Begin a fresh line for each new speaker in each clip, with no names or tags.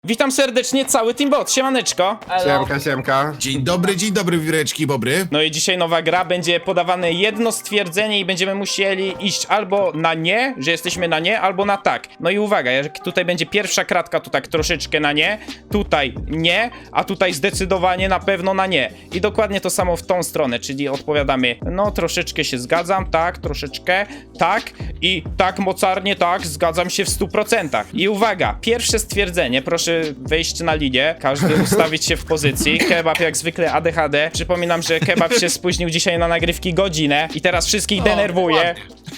Witam serdecznie, cały Teambot, siemaneczko.
Siemka, siemka.
Dzień dobry, wireczki bobry.
No i dzisiaj nowa gra, będzie podawane jedno stwierdzenie i będziemy musieli iść albo na nie, że jesteśmy na nie, albo na tak. No i uwaga, jak tutaj będzie pierwsza kratka, to tak troszeczkę na nie, tutaj nie, a tutaj zdecydowanie na pewno na nie. I dokładnie to samo w tą stronę, czyli odpowiadamy, no troszeczkę się zgadzam, tak, troszeczkę, tak i tak mocarnie, tak, zgadzam się w 100%. I uwaga, pierwsze stwierdzenie, proszę wejść na linię, każdy ustawić się w pozycji. Kebab jak zwykle ADHD. Przypominam, że Kebab się spóźnił dzisiaj na nagrywki godzinę i teraz wszystkich denerwuje.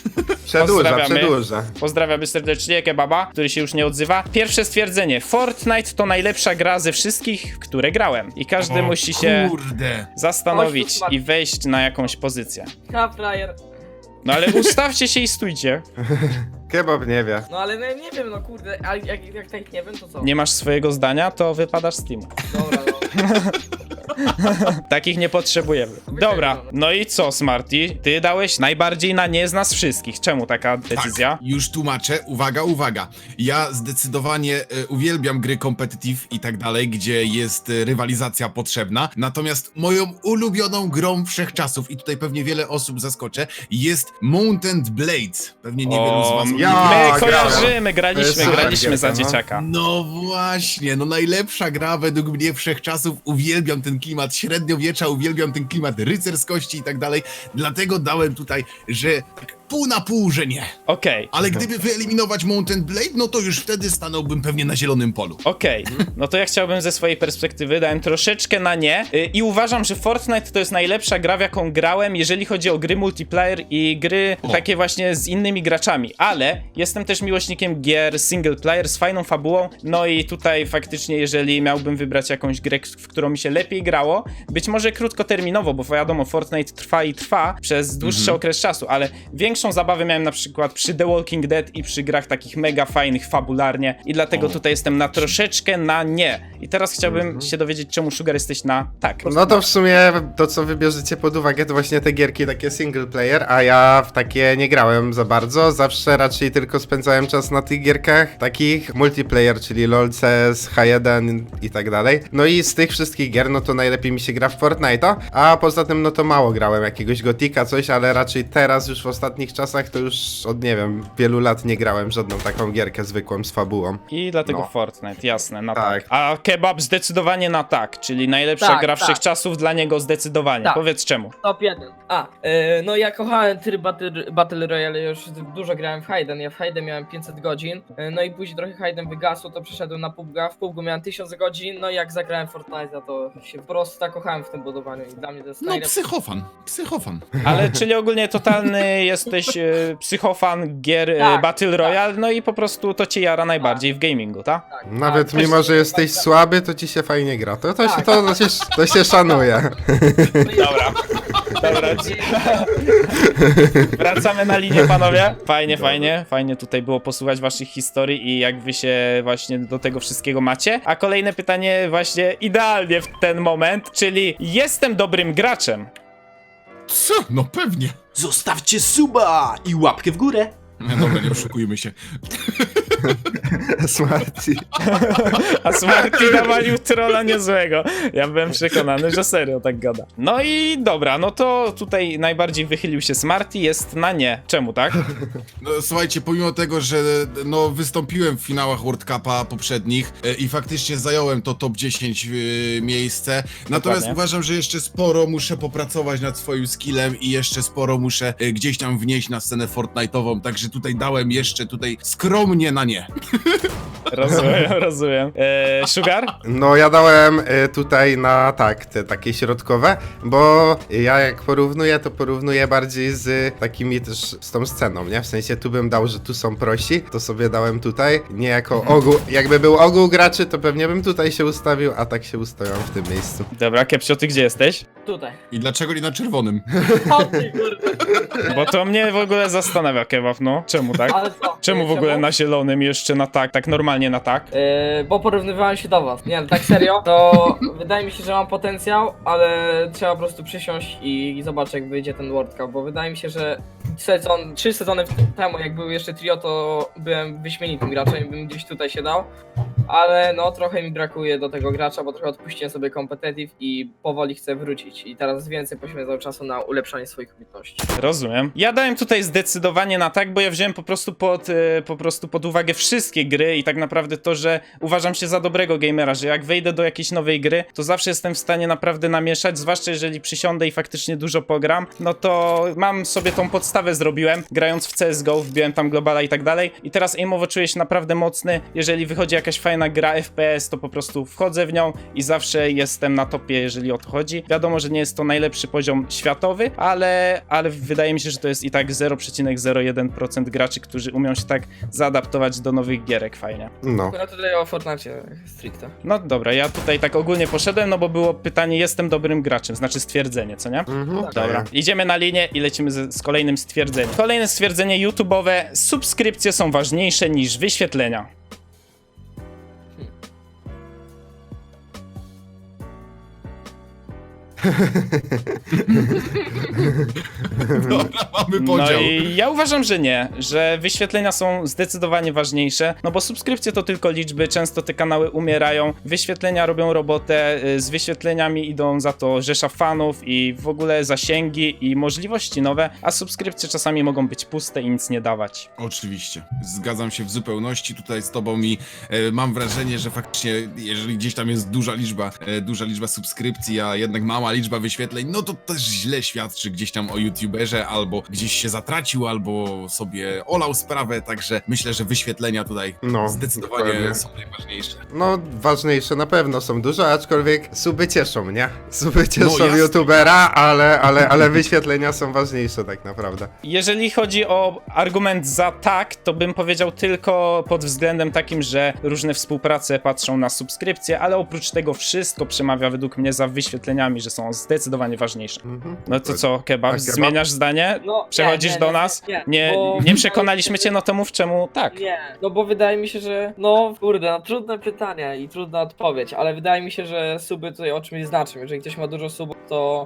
Przedłuża.
Pozdrawiamy serdecznie Kebaba, który się już nie odzywa. Pierwsze stwierdzenie. Fortnite to najlepsza gra ze wszystkich, w które grałem. I każdy musi się zastanowić i wejść na jakąś pozycję.
Frajer.
No ale ustawcie się i stójcie.
Kebab nie wie.
No ale nie wiem, no kurde, a jak tak nie wiem, to co?
Nie masz swojego zdania, to wypadasz z teamu.
Dobra, no.
Takich nie potrzebujemy. Dobra, no i co, Smarty? Ty dałeś najbardziej na nie z nas wszystkich. Czemu taka decyzja?
Tak, już tłumaczę. Uwaga. Ja zdecydowanie uwielbiam gry competitive i tak dalej, gdzie jest rywalizacja potrzebna. Natomiast moją ulubioną grą wszechczasów, i tutaj pewnie wiele osób zaskoczę, jest Mountain Blades. Pewnie niewielu z was...
My
grałem.
kojarzymy, graliśmy
Super
za
gierka, no.
dzieciaka.
No właśnie, no najlepsza gra według mnie wszechczasów. Uwielbiam ten klimat średniowiecza, uwielbiam ten klimat rycerskości i tak dalej. Dlatego dałem tutaj, że tak pół na pół, że nie.
Okej.
Ale gdyby wyeliminować Mountain Blade, no to już wtedy stanąłbym pewnie na zielonym polu.
Okej, no to ja chciałbym ze swojej perspektywy, dałem troszeczkę na nie i uważam, że Fortnite to jest najlepsza gra, w jaką grałem, jeżeli chodzi o gry multiplayer i gry takie właśnie z innymi graczami, ale jestem też miłośnikiem gier single player z fajną fabułą, no i tutaj faktycznie, jeżeli miałbym wybrać jakąś grę, w którą mi się lepiej grało, być może krótkoterminowo, bo wiadomo, Fortnite trwa i trwa przez dłuższy okres czasu, ale większą zabawę miałem na przykład przy The Walking Dead i przy grach takich mega fajnych fabularnie i dlatego tutaj jestem na troszeczkę na nie. I teraz chciałbym się dowiedzieć, czemu Sugar jesteś na tak.
No to w sumie to, co wybierzecie pod uwagę, to właśnie te gierki takie single player, a ja w takie nie grałem za bardzo. Zawsze raczej tylko spędzałem czas na tych gierkach takich multiplayer, czyli LoL, CS, H1 i tak dalej. No i z tych wszystkich gier, no to najlepiej mi się gra w Fortnite'a, a poza tym no to mało grałem jakiegoś Gotika, coś, ale raczej teraz już w ostatnich czasach to już od nie wiem, wielu lat nie grałem w żadną taką gierkę zwykłą z fabułą.
I dlatego
No.
Fortnite, jasne, na tak.
Tak.
A Kebab zdecydowanie na tak, czyli najlepsza
Tak,
gra
tak.
wszechczasów dla niego zdecydowanie.
Tak.
Powiedz czemu.
Top 1. No ja kochałem tryb Battle Royale, już dużo grałem w Hayden, ja w Hayden miałem 500 godzin, no i później trochę Hayden wygasło, to przeszedłem na PUBG'a, w PUBG'u miałem 1000 godzin, no i jak zagrałem Fortnite'a, to się po prostu zakochałem w tym budowaniu i dla mnie to jest
No
najlepsze.
psychofan.
Ale czyli ogólnie totalny jesteś psychofan gier
Tak,
Battle Royale, no i po prostu to cię jara najbardziej w gamingu, tak?
Tak,
Nawet
tak,
mimo,
też-
że jesteś słaby, to ci się fajnie gra. To
Tak,
to się szanuje.
Dobra. Dobra. Wracamy na linię, panowie. Fajnie tutaj było posłuchać waszych historii i jak wy się właśnie do tego wszystkiego macie. A kolejne pytanie właśnie idealnie w ten moment, czyli jestem dobrym graczem.
Co? No pewnie.
Zostawcie suba i łapkę w górę.
No dobra, nie oszukujmy się.
Smarty.
A Smarty nawalił trolla niezłego. Ja byłem przekonany, że serio tak gada. No i dobra, no to tutaj najbardziej wychylił się Smarty, jest na nie. Czemu tak?
No, słuchajcie, pomimo tego, że no, wystąpiłem w finałach World Cupa poprzednich i faktycznie zająłem to top 10 miejsce, natomiast
Dokładnie.
uważam, że jeszcze sporo muszę popracować nad swoim skillem i jeszcze sporo muszę gdzieś tam wnieść na scenę Fortnite'ową, także tutaj dałem jeszcze skromnie na nie.
Rozumiem. Sugar?
No ja dałem tutaj na tak, te takie środkowe, bo ja jak porównuję, to porównuję bardziej z takimi też z tą sceną, nie? W sensie tu bym dał, że tu są prosi, to sobie dałem tutaj, nie jako ogół, jakby był ogół graczy, to pewnie bym tutaj się ustawił, a tak się ustawiam w tym miejscu.
Dobra, Kepsio, ty gdzie jesteś?
Tutaj.
I dlaczego nie na czerwonym?
O ty kurde.
Bo to mnie w ogóle zastanawia, Kebab, no. Czemu tak?
Ale co?
Czemu w ogóle na zielonym jeszcze na tak normalnie na tak?
Bo porównywałem się do was. Nie, no, tak serio, to wydaje mi się, że mam potencjał, ale trzeba po prostu przysiąść i zobaczyć, jak wyjdzie ten World Cup, bo wydaje mi się, że 3 sezony temu, jak był jeszcze trio, to byłem wyśmienitym graczem i bym gdzieś tutaj się dał. Ale no trochę mi brakuje do tego gracza, bo trochę odpuściłem sobie competitive i powoli chcę wrócić. I teraz więcej poświęcam czasu na ulepszanie swoich umiejętności.
Rozumiem. Ja dałem tutaj zdecydowanie na tak, bo ja wziąłem po prostu pod uwagę wszystkie gry i tak naprawdę to, że uważam się za dobrego gamera, że jak wejdę do jakiejś nowej gry, to zawsze jestem w stanie naprawdę namieszać, zwłaszcza jeżeli przysiądę i faktycznie dużo pogram, no to mam sobie tą podstawę zrobiłem, grając w CSGO, wbiłem tam globala i tak dalej i teraz aimowo czuję się naprawdę mocny, jeżeli wychodzi jakaś fajna gra FPS, to po prostu wchodzę w nią i zawsze jestem na topie, jeżeli o to chodzi. Wiadomo, że nie jest to najlepszy poziom światowy, ale wydaje mi się, że to jest i tak 0,01% graczy, którzy umią się tak zaadaptować do nowych gierek fajnie.
No.
No tutaj o Fortnite stricte.
No dobra, ja tutaj tak ogólnie poszedłem, no bo było pytanie, jestem dobrym graczem, znaczy stwierdzenie, co nie?
Mhm,
Dobra, idziemy na linię i lecimy z kolejnym stwierdzeniem. Kolejne stwierdzenie YouTube'owe. Subskrypcje są ważniejsze niż wyświetlenia.
Dobra, mamy
No
podział.
i ja uważam, że nie, że wyświetlenia są zdecydowanie ważniejsze, no bo subskrypcje to tylko liczby, często te kanały umierają, wyświetlenia robią robotę, z wyświetleniami idą za to rzesza fanów i w ogóle zasięgi i możliwości nowe, a subskrypcje czasami mogą być puste i nic nie dawać.
Oczywiście, zgadzam się w zupełności tutaj z tobą i mam wrażenie, że faktycznie, jeżeli gdzieś tam jest duża liczba subskrypcji, a jednak mała liczba wyświetleń, no to też źle świadczy gdzieś tam o youtuberze, albo gdzieś się zatracił, albo sobie olał sprawę, także myślę, że wyświetlenia tutaj
No,
zdecydowanie
dokładnie.
są najważniejsze.
No, ważniejsze na pewno są dużo, aczkolwiek suby cieszą, nie? Suby cieszą
jasne.
youtubera, ale wyświetlenia są ważniejsze tak naprawdę.
Jeżeli chodzi o argument za tak, to bym powiedział tylko pod względem takim, że różne współprace patrzą na subskrypcje, ale oprócz tego wszystko przemawia według mnie za wyświetleniami, że są zdecydowanie ważniejsze. No to co, Kebab,
A, Kebab?
zmieniasz zdanie?
No,
Przechodzisz
nie,
do
nie,
nas?
bo-
Nie przekonaliśmy cię, no to mów czemu tak.
Nie, no bo wydaje mi się, że no kurde, no trudne pytanie i trudna odpowiedź, ale wydaje mi się, że suby tutaj o czymś znaczą. Jeżeli ktoś ma dużo subów,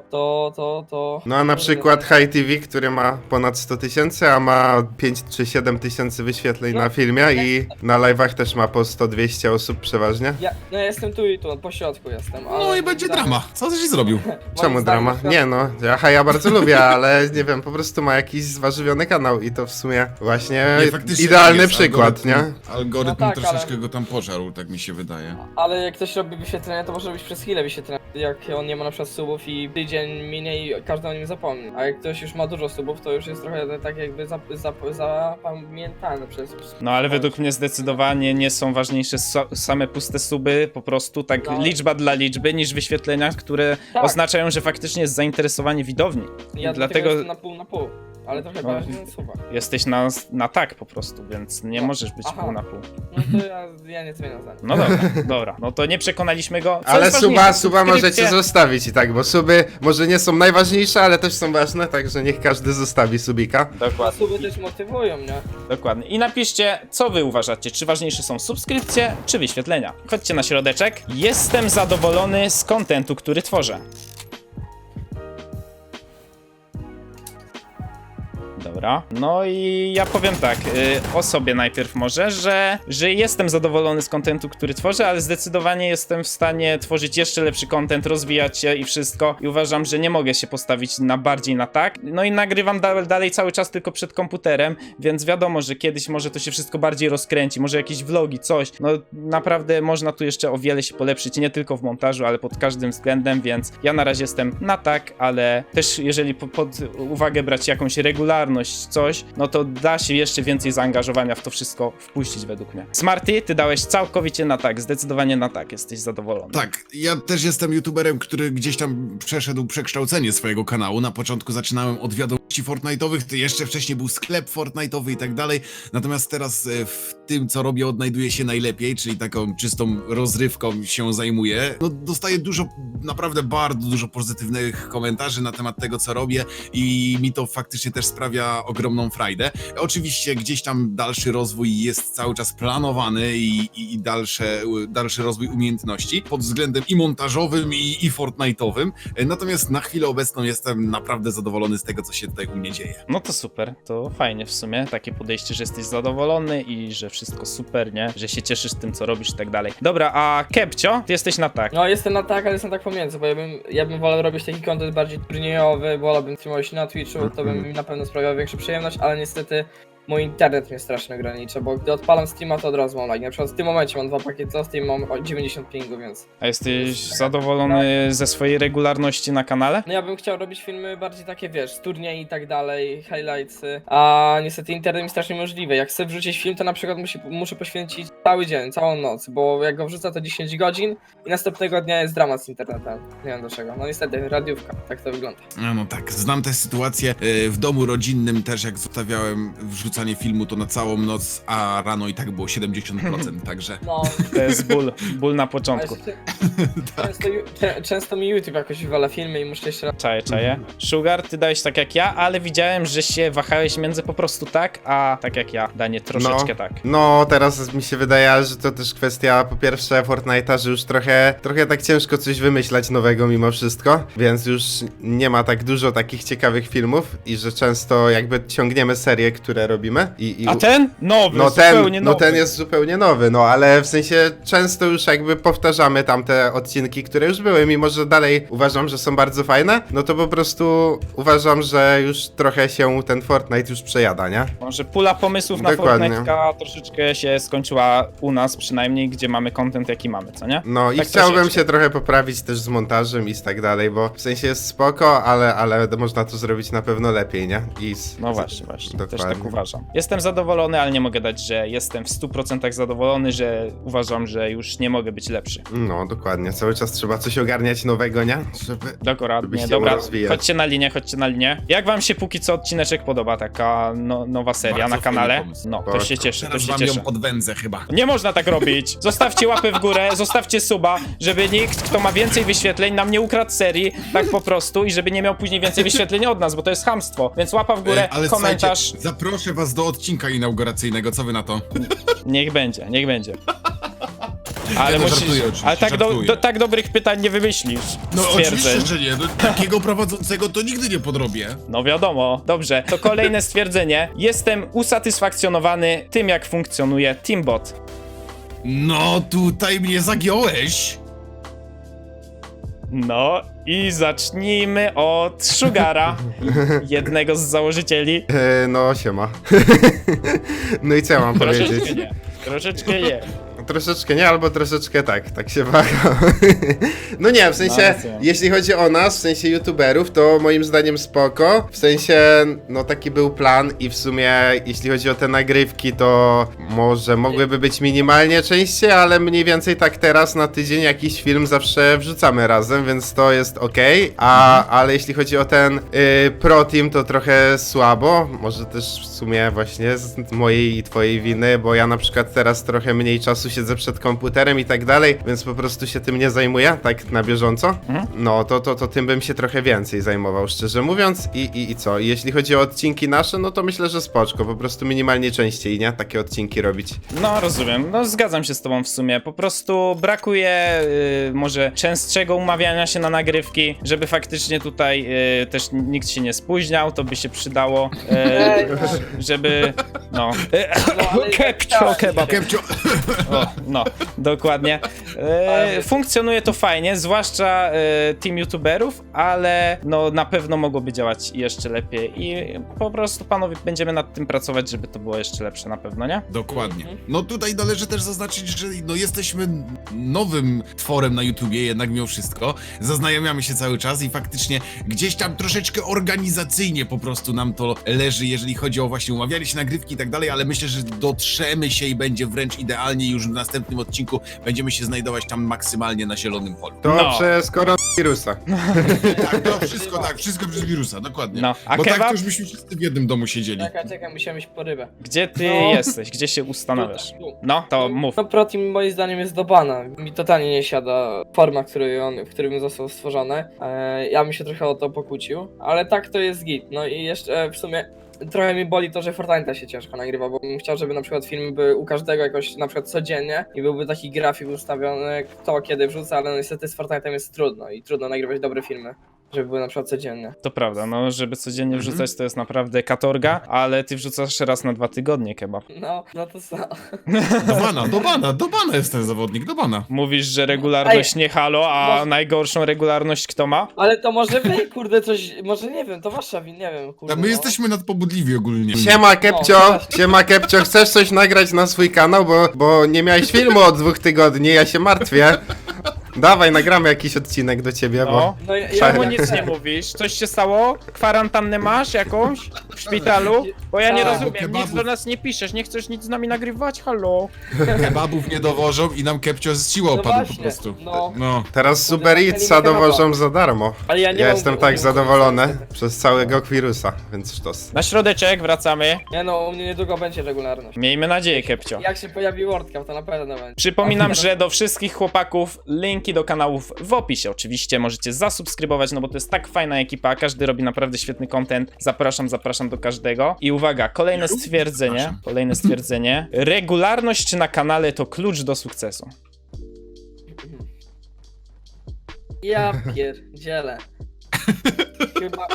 to...
No a na przykład High TV, który ma ponad 100 000, a ma 5 czy 7 tysięcy wyświetleń
No,
na filmie i na live'ach też ma po 100-200 osób przeważnie.
Ja jestem tu i tu, po środku jestem, ale...
No i będzie drama. Co żeś zrobił?
Moim
Czemu
zdaniem
drama?
na przykład-
Nie no, ja Haja bardzo lubię, ale nie wiem, po prostu ma jakiś zwarzywiony kanał i to w sumie właśnie
Nie, faktycznie
idealny
jest
przykład, nie?
Algorytm
No tak,
troszeczkę
ale-
go tam pożarł, tak mi się wydaje.
Ale jak ktoś robi wyświetlenia, to może robić przez chwilę wyświetlenia. Jak on nie ma na przykład subów i tydzień minie i każdy o nim zapomni. A jak ktoś już ma dużo subów, to już jest trochę tak jakby zapamiętany przez...
No ale według mnie zdecydowanie nie są ważniejsze same puste suby, po prostu tak
No.
liczba dla liczby, niż wyświetlenia, które
Tak.
oznaczają, że faktycznie jest zainteresowanie widowni.
Ja
Dlatego
jestem na pół, ale trochę
No.
bardziej na suba.
jesteś na tak po prostu, więc nie
No.
możesz być
Aha.
pół na pół.
No to ja nie zmieniam zdania.
No dobra, dobra, no to nie przekonaliśmy go. Co
Ale
jest ważniejsze,
suba możecie
subskrypcje?
zostawić i tak, bo suby może nie są najważniejsze, ale też są ważne, także niech każdy zostawi subika.
A
Dokładnie,
suby też motywują, nie?
dokładnie. I napiszcie, co wy uważacie, czy ważniejsze są subskrypcje, czy wyświetlenia. Chodźcie na środeczek. Jestem zadowolony z kontentu, który tworzę. Dobra, no i ja powiem tak, o sobie najpierw może, że jestem zadowolony z kontentu, który tworzę, ale zdecydowanie jestem w stanie tworzyć jeszcze lepszy content, rozwijać się i wszystko i uważam, że nie mogę się postawić na bardziej na tak. No i nagrywam dalej cały czas tylko przed komputerem, więc wiadomo, że kiedyś może to się wszystko bardziej rozkręci, może jakieś vlogi, coś, no naprawdę można tu jeszcze o wiele się polepszyć, nie tylko w montażu, ale pod każdym względem, więc ja na razie jestem na tak, ale też jeżeli pod uwagę brać jakąś regularność, coś, no to da się jeszcze więcej zaangażowania w to wszystko wpuścić według mnie. Smarty, ty dałeś całkowicie na tak, zdecydowanie na tak, jesteś zadowolony.
Tak, ja też jestem youtuberem, który gdzieś tam przeszedł przekształcenie swojego kanału. Na początku zaczynałem od wiadomości Fortnite'owych, to jeszcze wcześniej był sklep Fortnite'owy i tak dalej. Natomiast teraz w tym, co robię, odnajduję się najlepiej, czyli taką czystą rozrywką się zajmuję. No, dostaję naprawdę bardzo dużo pozytywnych komentarzy na temat tego, co robię i mi to faktycznie też sprawia ogromną frajdę. Oczywiście gdzieś tam dalszy rozwój jest cały czas planowany i dalszy rozwój umiejętności pod względem i montażowym, i Fortnite'owym. Natomiast na chwilę obecną jestem naprawdę zadowolony z tego, co się tutaj u mnie dzieje.
No to super, to fajnie w sumie, takie podejście, że jesteś zadowolony i że wszystko super, nie? Że się cieszysz tym, co robisz i tak dalej. Dobra, a Kepcio, ty jesteś na tak.
No jestem na tak, ale jestem tak pomiędzy, bo ja bym wolał robić taki content bardziej turniejowy, wolałbym streamować na Twitchu, to by mi na pewno sprawiało większą przyjemność, ale niestety mój internet mnie strasznie ogranicza, bo gdy odpalam streama, to od razu mam lag. Na przykład w tym momencie mam 2 pakiety, a Steam mam 90 pingu, więc...
A jesteś zadowolony ze swojej regularności na kanale?
No ja bym chciał robić filmy bardziej takie, wiesz, z turniej i tak dalej, highlightsy, a niestety internet mi strasznie możliwy. Jak chcę wrzucić film, to na przykład muszę poświęcić cały dzień, całą noc, bo jak go wrzucę, to 10 godzin i następnego dnia jest dramat z internetem. Nie wiem dlaczego. No niestety, radiówka, tak to wygląda.
No tak, znam tę sytuację. W domu rodzinnym też, jak zostawiałem wrzucanie filmu, to na całą noc, a rano i tak było 70%, także...
No,
To jest ból na
a
początku.
jeszcze, często mi YouTube jakoś wywala filmy i muszę jeszcze raz...
Czaję. Sugar, ty dałeś tak jak ja, ale widziałem, że się wahałeś między po prostu tak, a tak jak ja, Danie, troszeczkę tak.
No, teraz mi się wydaje, że to też kwestia po pierwsze Fortnite'a, że już trochę tak ciężko coś wymyślać nowego mimo wszystko, więc już nie ma tak dużo takich ciekawych filmów i że często jakby ciągniemy serie, które robimy
A ten? Nowy,
no
zupełnie nowy.
ten jest zupełnie nowy, no ale w sensie często już jakby powtarzamy tamte odcinki, które już były, mimo że dalej uważam, że są bardzo fajne, no to po prostu uważam, że już trochę się ten Fortnite już przejada, nie?
Może pula pomysłów na
Dokładnie.
Fortnite'ka troszeczkę się skończyła u nas przynajmniej, gdzie mamy content jaki mamy, co nie?
No i
Tak
chciałbym
troszeczkę.
się trochę poprawić też z montażem i tak dalej, bo w sensie jest spoko, ale można to zrobić na pewno lepiej, nie?
No właśnie, też
Dokładnie.
tak uważam. Jestem zadowolony, ale nie mogę dać, że jestem w 100% zadowolony, że uważam, że już nie mogę być lepszy.
No, dokładnie. Cały czas trzeba coś ogarniać nowego, nie? Żeby...
Dokładnie,
Żebyście
dobra,
ją rozwijać.
chodźcie na linię. Jak wam się póki co odcineczek podoba, taka nowa seria
Bardzo
na kanale?
fajny pomysł.
No, to
Spoko.
się cieszę, to
Teraz
się
wam
cieszę.
ją podwędzę chyba.
Nie można tak robić. Zostawcie łapę w górę, zostawcie suba, żeby nikt, kto ma więcej wyświetleń, nam nie ukradł serii, tak po prostu, i żeby nie miał później więcej wyświetleń od nas, bo to jest chamstwo. Więc łapa w górę,
Ale
komentarz.
słuchajcie, zaproszę was do odcinka inauguracyjnego, co wy na to?
Niech będzie. Ale
Ja to
musisz.
żartuję oczywiście,
Ale tak,
żartuję.
tak dobrych pytań nie wymyślisz.
No
Stwierdzeń.
oczywiście, że nie. No, takiego prowadzącego to nigdy nie podrobię.
No wiadomo, dobrze. To kolejne stwierdzenie. Jestem usatysfakcjonowany tym, jak funkcjonuje Teambot.
No tutaj mnie zagiąłeś.
No i zacznijmy od Sugara, jednego z założycieli.
No, siema. No i co ja mam powiedzieć?
Troszeczkę nie.
Troszeczkę nie, albo troszeczkę tak się waham. No nie, w sensie,
No,
jeśli chodzi o nas, w sensie youtuberów, to moim zdaniem spoko. W sensie, no taki był plan i w sumie, jeśli chodzi o te nagrywki, to może mogłyby być minimalnie częściej, ale mniej więcej tak teraz na tydzień jakiś film zawsze wrzucamy razem, więc to jest okej. Ale jeśli chodzi o ten pro team, to trochę słabo. Może też w sumie właśnie z mojej i twojej winy, bo ja na przykład teraz trochę mniej czasu siedzę przed komputerem i tak dalej, więc po prostu się tym nie zajmuję, tak na bieżąco. No, to tym bym się trochę więcej zajmował, szczerze mówiąc. I co? I jeśli chodzi o odcinki nasze, no to myślę, że spoczko, po prostu minimalnie częściej, nie? Takie odcinki robić.
No rozumiem, no zgadzam się z tobą w sumie. Po prostu brakuje może częstszego umawiania się na nagrywki, żeby faktycznie tutaj też nikt się nie spóźniał, to by się przydało, żeby no. Kepcio, kebab.
Kepcio.
O, no, dokładnie. Funkcjonuje to fajnie, zwłaszcza team youtuberów, ale no na pewno mogłoby działać jeszcze lepiej i po prostu panowie będziemy nad tym pracować, żeby to było jeszcze lepsze na pewno, nie?
Dokładnie. No tutaj należy też zaznaczyć, że no jesteśmy nowym tworem na YouTubie, jednak mimo wszystko. Zaznajamiamy się cały czas i faktycznie gdzieś tam troszeczkę organizacyjnie po prostu nam to leży, jeżeli chodzi o właśnie umawianie się nagrywki i tak tak dalej, ale myślę, że dotrzemy się i będzie wręcz idealnie i już w następnym odcinku będziemy się znajdować tam maksymalnie na zielonym polu.
To
No.
przez koronawirusa.
Tak, wszystko przez wirusa, dokładnie.
No, a
Bo tak
kebab?
to już byśmy wszyscy w jednym domu siedzieli.
Czekaj, musiałem iść po rybę.
Gdzie ty
No.
jesteś? Gdzie się ustanawiasz?
Tu.
No, to mów.
No protein moim zdaniem jest do bana. Mi totalnie nie siada forma, w którym został stworzony. Ja bym się trochę o to pokłócił, ale tak to jest git. No i jeszcze w sumie trochę mi boli to, że Fortnite'a się ciężko nagrywa, bo bym chciał, żeby na przykład filmy były u każdego jakoś na przykład codziennie i byłby taki grafik ustawiony, kto kiedy wrzuca, ale no niestety z Fortnite'em jest trudno i trudno nagrywać dobre filmy, żeby były na przykład codziennie.
To prawda, no żeby codziennie wrzucać to jest naprawdę katorga, ale ty wrzucasz raz na 2 tygodnie kebab.
No to co?
Do bana jest ten zawodnik, do bana.
Mówisz, że regularność nie halo, a najgorszą regularność kto ma?
Ale to może wy, kurde, coś, może nie wiem, to wasza wina, nie wiem, kurde.
My
no.
jesteśmy nadpobudliwi ogólnie.
Siema Kepcio, chcesz coś nagrać na swój kanał, bo nie miałeś filmu od 2 tygodni, ja się martwię. Dawaj, nagramy jakiś odcinek do ciebie, bo...
No ja
Czemu
Ja
nic nie mówisz? Coś się stało? Kwarantannę masz jakąś? W szpitalu? Bo ja nie
Tak.
rozumiem, nic
Kebabów.
do nas nie piszesz, nie chcesz nic z nami nagrywać? Halo?
Kebabów nie dowożą i nam Kepcio z siły opadł
właśnie,
po prostu.
no.
No.
Teraz
Kurde,
Uber
tak
Eatsa
nie kebaba.
dowożą za darmo.
Ale ja nie
Ja
mam-
jestem tak zadowolony przez całego wirusa, więc sztos.
Na środeczek wracamy.
Nie no, u mnie niedługo będzie regularność.
Miejmy nadzieję, Kepcio.
Jak się pojawi World Cup, to na pewno będzie.
Przypominam, że do wszystkich chłopaków linki do kanałów w opisie. Oczywiście możecie zasubskrybować, no bo to jest tak fajna ekipa, każdy robi naprawdę świetny content. Zapraszam do każdego. I uwaga, kolejne stwierdzenie. Regularność na kanale to klucz do sukcesu.
Ja pierdzielę. Chyba...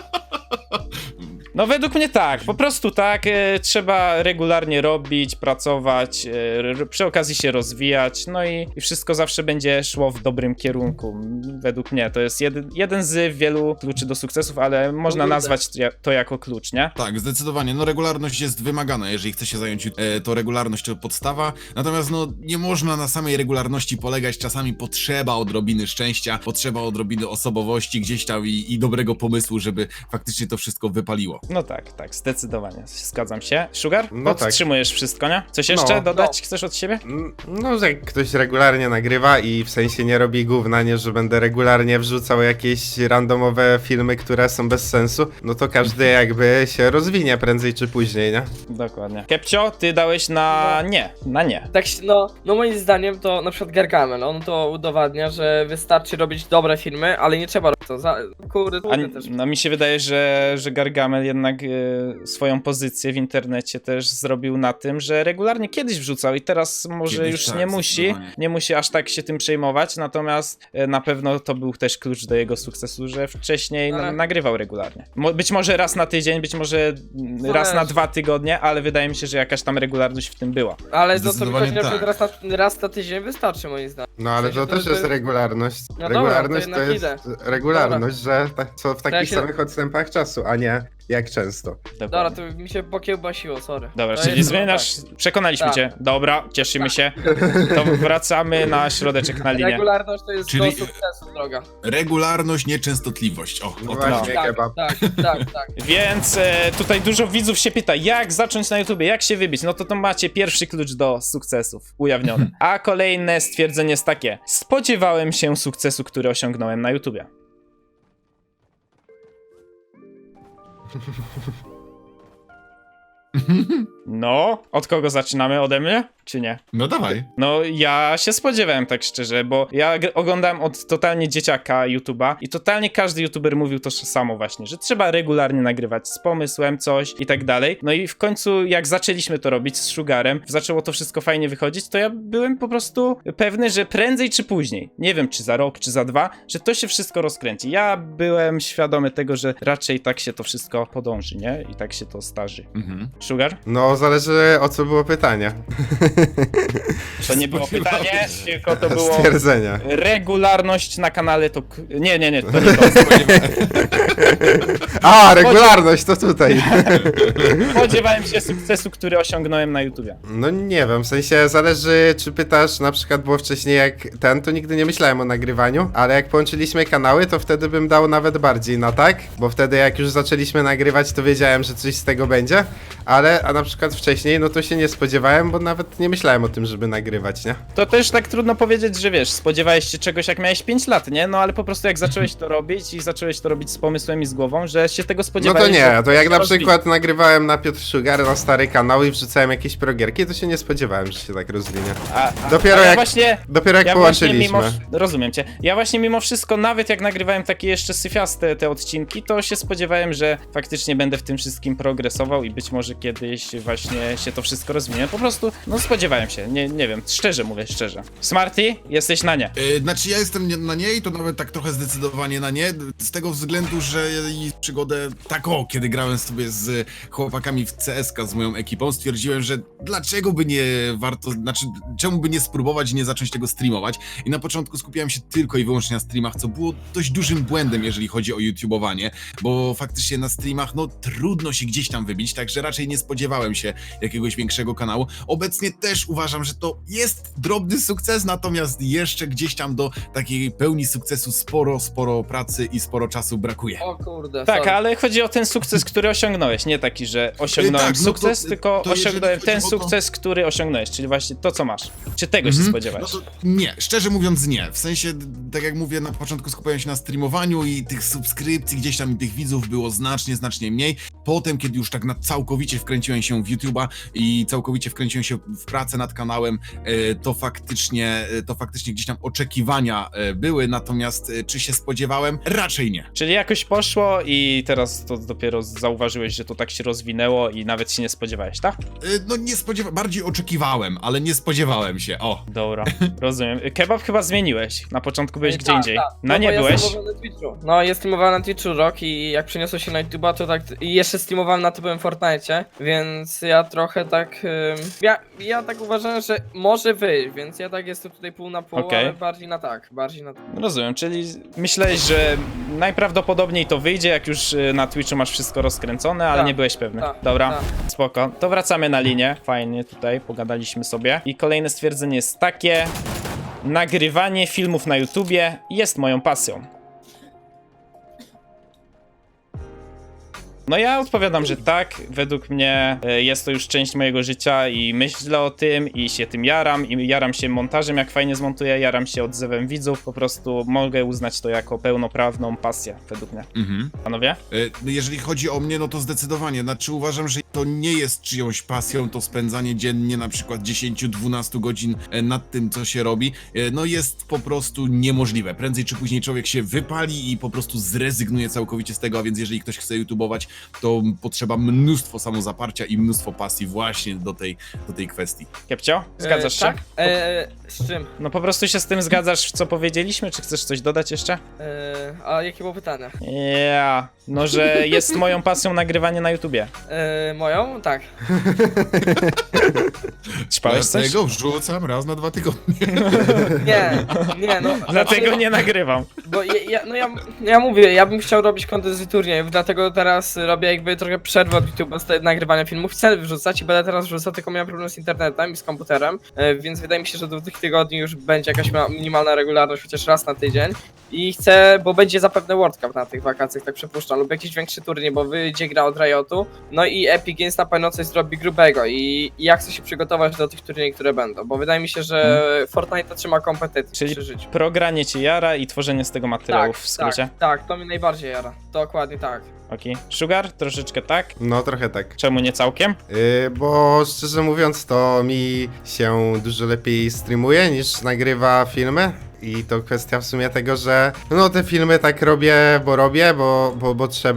No według mnie tak, po prostu tak, trzeba regularnie robić, pracować, przy okazji się rozwijać, no i wszystko zawsze będzie szło w dobrym kierunku. Według mnie to jest jeden z wielu kluczy do sukcesów, ale można nazwać to jako klucz, nie?
Tak, zdecydowanie. No regularność jest wymagana, jeżeli chce się zająć, to regularność to podstawa. Natomiast no nie można na samej regularności polegać. Czasami potrzeba odrobiny szczęścia, potrzeba odrobiny osobowości gdzieś tam i dobrego pomysłu, żeby faktycznie to wszystko wypaliło.
No tak, zdecydowanie, zgadzam się. Sugar?
No tak.
Podtrzymujesz wszystko, nie? Coś jeszcze
No.
dodać chcesz od siebie?
No, że jak ktoś regularnie nagrywa i w sensie nie robi gówna, nie, że będę regularnie wrzucał jakieś randomowe filmy, które są bez sensu, no to każdy jakby się rozwinie prędzej czy później, nie?
Dokładnie. Kepcio, ty dałeś na nie.
Tak, no moim zdaniem to na przykład Gargamel, on to udowadnia, że wystarczy robić dobre filmy, ale nie trzeba robić to kurde, też.
No mi się wydaje, że Gargamel jednak swoją pozycję w internecie też zrobił na tym, że regularnie kiedyś wrzucał i teraz może
Kiedyś
już
tak,
nie musi aż tak się tym przejmować, natomiast na pewno to był też klucz do jego sukcesu, że wcześniej
Ale-
nagrywał regularnie. Być może raz na tydzień, być może raz na 2 tygodnie, ale wydaje mi się, że jakaś tam regularność w tym była.
Ale to mi
Zdecydowanie
chodzi na przykład
tak.
raz na tydzień wystarczy moim zdaniem.
No ale
W sensie
to też jest regularność.
No dobra,
Regularność
to
to
jednak
jest regularność, że co w takich
Ja się-
samych odstępach czasu, a nie jak często.
Dobra, to mi się pokiełbasiło, sorry.
Dobra,
To
czyli
jest-
zmieniasz, przekonaliśmy
Tak.
cię. Dobra, cieszymy się. To wracamy na środeczek na linię.
Regularność to jest
Czyli-
do sukcesu droga.
Regularność, nieczęstotliwość. O
No
tak.
właśnie,
Tak,
kebab.
tak.
Więc tutaj dużo widzów się pyta, jak zacząć na YouTubie, jak się wybić? No to macie pierwszy klucz do sukcesów ujawniony. A kolejne stwierdzenie jest takie: spodziewałem się sukcesu, który osiągnąłem na YouTubie. No, od kogo zaczynamy? Ode mnie? Czy nie?
No dawaj.
No, ja się spodziewałem tak szczerze, bo ja oglądałem od totalnie dzieciaka YouTube'a i totalnie każdy YouTuber mówił to samo właśnie, że trzeba regularnie nagrywać z pomysłem coś i tak dalej. No i w końcu jak zaczęliśmy to robić z Sugarem, zaczęło to wszystko fajnie wychodzić, to ja byłem po prostu pewny, że prędzej czy później, nie wiem czy za rok, czy za 2, że to się wszystko rozkręci. Ja byłem świadomy tego, że raczej tak się to wszystko podąży, nie? I tak się to starzy.
Mhm.
Sugar?
No zależy o co było pytanie.
To nie było pytanie, tylko to było
Stwierdzenia.
regularność na kanale to... Nie, to nie to.
A, regularność, to tutaj.
Spodziewałem się sukcesu, który osiągnąłem na YouTubie.
No nie wiem, w sensie zależy, czy pytasz, na przykład było wcześniej jak ten, to nigdy nie myślałem o nagrywaniu, ale jak połączyliśmy kanały, to wtedy bym dał nawet bardziej na tak, bo wtedy jak już zaczęliśmy nagrywać, to wiedziałem, że coś z tego będzie, a na przykład wcześniej, no to się nie spodziewałem, bo nawet nie myślałem o tym, żeby nagrywać, nie?
To też tak trudno powiedzieć, że wiesz, spodziewałeś się czegoś jak miałeś 5 lat, nie? No ale po prostu jak zacząłeś to robić i zacząłeś to robić z pomysłem i z głową, że się tego
No
spodziewałeś.
to nie,
że
to jak
się
na
rozwinie.
przykład nagrywałem na Piotr Sugar na stary kanał i wrzucałem jakieś progierki, to się nie spodziewałem, że się tak rozwinie. Dopiero
ja
jak-
właśnie,
Dopiero jak
ja właśnie
połączyliśmy.
rozumiem cię. Ja właśnie mimo wszystko, nawet jak nagrywałem takie jeszcze syfiaste te odcinki, to się spodziewałem, że faktycznie będę w tym wszystkim progresował i być może kiedyś właśnie się to wszystko rozwinie. Po prostu, no spodziewałem się, nie wiem, szczerze mówię, szczerze. Smarty, jesteś na nie.
Znaczy ja jestem na nie i to nawet tak trochę zdecydowanie na nie, z tego względu, że i przygodę taką, kiedy grałem sobie z chłopakami w CS:K z moją ekipą, stwierdziłem, że dlaczego by nie warto, znaczy czemu by nie spróbować i nie zacząć tego streamować i na początku skupiałem się tylko i wyłącznie na streamach, co było dość dużym błędem, jeżeli chodzi o YouTubeowanie, bo faktycznie na streamach, no trudno się gdzieś tam wybić, także raczej nie spodziewałem się jakiegoś większego kanału. Obecnie też uważam, że to jest drobny sukces, natomiast jeszcze gdzieś tam do takiej pełni sukcesu sporo pracy i sporo czasu brakuje.
O kurde,
Tak,
sorry.
ale chodzi o ten sukces, który osiągnąłeś, nie taki, że osiągnąłem
Tak, no to-
sukces, tylko
to jeżeli
osiągnąłem
chodzi
ten
o to-
sukces, który osiągnąłeś, czyli właśnie to, co masz. Czy tego się
No
spodziewałeś?
to nie, szczerze mówiąc nie. W sensie, tak jak mówię, na początku skupiałem się na streamowaniu i tych subskrypcji gdzieś tam i tych widzów było znacznie mniej. Potem, kiedy już tak całkowicie wkręciłem się w YouTube'a i całkowicie wkręciłem się w pracę nad kanałem, to faktycznie gdzieś tam oczekiwania były, natomiast czy się spodziewałem? Raczej nie.
Czyli jakoś poszło i teraz to dopiero zauważyłeś, że to tak się rozwinęło i nawet się nie spodziewałeś, tak?
No nie spodziewałem, bardziej oczekiwałem, ale nie spodziewałem się, o.
Dobra, rozumiem. Kebab chyba zmieniłeś. Na początku byłeś gdzie
Tak,
indziej.
tak.
Na
No
nie
bo ja
byłeś?
streamowałem na Twitchu. No, ja streamowałem na Twitchu rok i jak przeniosłem się na YouTube'a, to tak... I jeszcze streamowałem na typowym Fortnite, więc ja trochę tak... Ja tak uważałem, że może wyjść, więc ja tak jestem tutaj pół na pół,
Okej.
ale bardziej na tak,
Rozumiem, czyli myślałeś, że najprawdopodobniej to wyjdzie, jak już na Twitchu masz wszystko rozkręcone, ale
Tak,
nie byłeś pewny.
tak,
Dobra,
tak.
spoko. To wracamy na linię. Fajnie tutaj, pogadaliśmy sobie. I kolejne stwierdzenie jest takie. Nagrywanie filmów na YouTubie jest moją pasją. No ja odpowiadam, że tak, według mnie jest to już część mojego życia i myślę o tym i się tym jaram i jaram się montażem, jak fajnie zmontuję, jaram się odzewem widzów, po prostu mogę uznać to jako pełnoprawną pasję, według mnie. Panowie?
Jeżeli chodzi o mnie, no to zdecydowanie. Znaczy uważam, że to nie jest czyjąś pasją, to spędzanie dziennie na przykład 10-12 godzin nad tym, co się robi, no jest po prostu niemożliwe. Prędzej czy później człowiek się wypali i po prostu zrezygnuje całkowicie z tego, a więc jeżeli ktoś chce YouTubeować, to potrzeba mnóstwo samozaparcia i mnóstwo pasji właśnie do tej kwestii.
Kiepcio? Zgadzasz się?
Tak? Z czym?
No po prostu się z tym zgadzasz, co powiedzieliśmy, czy chcesz coś dodać jeszcze?
A jakie było pytanie?
Ja, no że jest moją pasją nagrywanie na YouTubie.
Moją? Tak.
Ćpałeś coś?
Dlatego wrzucam raz na 2 tygodnie.
Nie, no.
Dlatego nie nagrywam.
Bo ja mówię, ja bym chciał robić content z turniejów, dlatego teraz robię jakby trochę przerwę od YouTube'a z nagrywania filmów. Chcę wrzucać i będę teraz wrzucał, tylko miałem problem z internetem i z komputerem, więc wydaje mi się, że do tych tygodni już będzie jakaś minimalna regularność, chociaż raz na tydzień. I chcę, bo będzie zapewne World Cup na tych wakacjach, tak przypuszczam, lub jakiś większy turniej, bo wyjdzie gra od Riotu, no i Epic Games na pewno coś zrobi grubego i ja chcę się przygotować do tych turniejów, które będą, bo wydaje mi się, że Fortnite trzyma kompetencje
Czyli
przy życiu.
progranie cię jara i tworzenie z tego materiałów w skrócie.
Tak, to mnie najbardziej jara. Dokładnie tak.
Okej. Sugar? Troszeczkę tak.
No trochę tak.
Czemu nie całkiem?
Bo szczerze mówiąc, to mi się dużo lepiej streamuje niż nagrywa filmy. I to kwestia w sumie tego, że no te filmy tak robię, bo trzeba.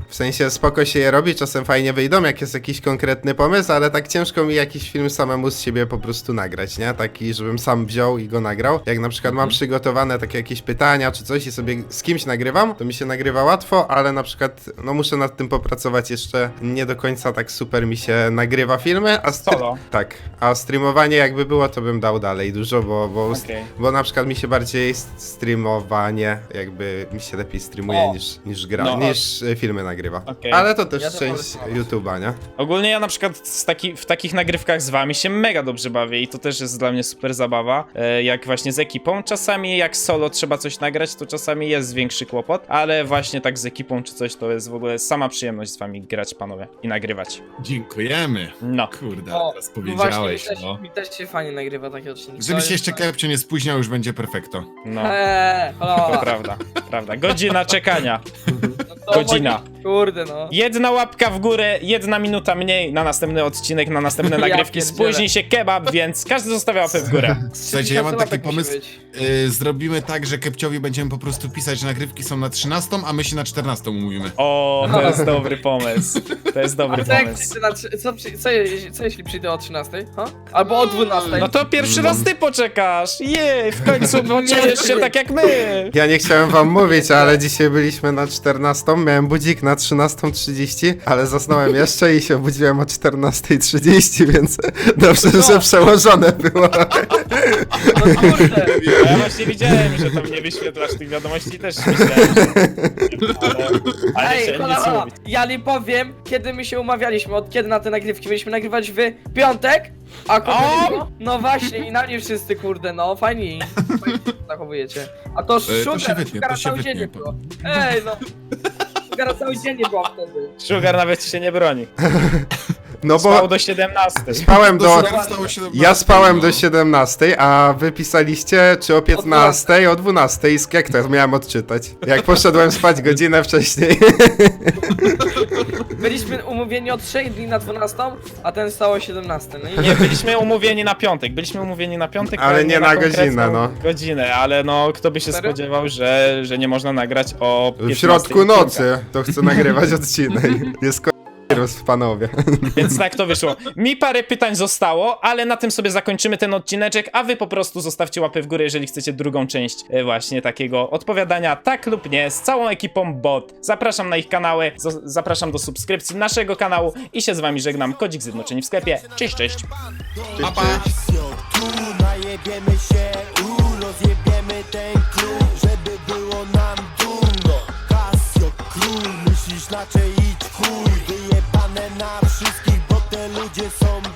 W sensie spoko się je robi, czasem fajnie wyjdą, jak jest jakiś konkretny pomysł, ale tak ciężko mi jakiś film samemu z siebie po prostu nagrać, nie? Taki, żebym sam wziął i go nagrał. Jak na przykład mam przygotowane takie jakieś pytania czy coś i sobie z kimś nagrywam, to mi się nagrywa łatwo, ale na przykład, no muszę nad tym popracować jeszcze. Nie do końca tak super mi się nagrywa filmy, a
Solo.
tak, a streamowanie jakby było, to bym dał dalej dużo,
Okej.
bo na przykład mi się bardziej streamowanie, jakby mi się lepiej streamuje
O.
niż gra,
No,
niż filmy nagrywa.
Okej.
Ale to też
Ja to
część
wolę
YouTube'a, nie?
Ogólnie ja na przykład w takich nagrywkach z wami się mega dobrze bawię i to też jest dla mnie super zabawa. Jak właśnie z ekipą. Czasami jak solo trzeba coś nagrać, to czasami jest większy kłopot, ale właśnie tak z ekipą czy coś to jest w ogóle sama przyjemność z wami grać, panowie, i nagrywać.
Dziękujemy.
No.
Kurde,
O,
teraz
właśnie,
powiedziałeś, no.
mi też się fajnie nagrywa takie odcinki.
Żeby
To
się
jest
jeszcze Kepcio nie spóźniał, już będzie perfekto.
No.
halo.
To prawda, prawda. Godzina czekania.
No to
Godzina.
Kurde, no.
Jedna łapka w górę, 1 minuta mniej na następny odcinek, na następne
Ja
nagrywki.
pierdzielę.
Spóźni się kebab, więc każdy zostawia łapę w górę.
Słuchajcie, ja mam
3000
taki
łapek musi
pomysł.
być.
Zrobimy tak, że Kepciowi będziemy po prostu pisać, że nagrywki są na 13, a my się na 14 umówimy.
O, to jest dobry pomysł. To jest dobry
A co jak
pomysł.
przyjdę na co jeśli przyjdę o 13? Ha? Albo o 12?
No to pierwszy raz ty poczekasz! Jej, w końcu poczujesz się tak jak my!
Ja nie chciałem wam mówić, ale dzisiaj byliśmy na 14, miałem budzik na 13:30, ale zasnąłem jeszcze i się obudziłem o 14:30, więc dobrze, że przełożone było.
No kurde.
Ja właśnie widziałem, że tam nie wyświetlasz tych wiadomości i też myślałem, że... Ale
Ej,
chciałem
hola,
nic
hola.
mówić.
Ja nie powiem, kiedy my się umawialiśmy, od kiedy na te nagrywki mieliśmy nagrywać w piątek, a kurde, no właśnie i na nie wszyscy, kurde, no fajnie się zachowujecie. A to
To się wytnie,
Szugara
to się
cały dzień
wytnie.
nie było. Ej, no. Szugara cały dzień nie było wtedy.
Sugar nawet się nie broni.
No
Spał
bo
do 17.
spałem do...
Stało się
Ja spałem do 17, a wy pisaliście czy o 15, o 12 i jak to miałem odczytać? Jak poszedłem spać godzinę wcześniej.
Byliśmy umówieni od 3 dni na 12, a ten stało o 17. No i
Nie, byliśmy umówieni na piątek. Byliśmy umówieni na piątek,
Ale nie na
konkretną
godzinę, no.
Godzinę, ale no kto by się
Serio?
spodziewał, że nie można nagrać o 15
W środku
odcinka.
nocy to chcę nagrywać odcinek. Jest wirus, panowie.
Więc tak to wyszło. Mi parę pytań zostało, ale na tym sobie zakończymy ten odcineczek, a wy po prostu zostawcie łapę w górę, jeżeli chcecie drugą część właśnie takiego odpowiadania tak lub nie z całą ekipą bot. Zapraszam na ich kanały, zapraszam do subskrypcji naszego kanału i się z wami żegnam. Kodzik Zjednoczeni w sklepie. Cześć, cześć.
Pa, pa.
Tu najebiemy się, rozjebiemy ten klub, żeby było nam dumno. Casio król, myślisz inaczej idź w chuj, wyjebane na wszystkich, bo te ludzie są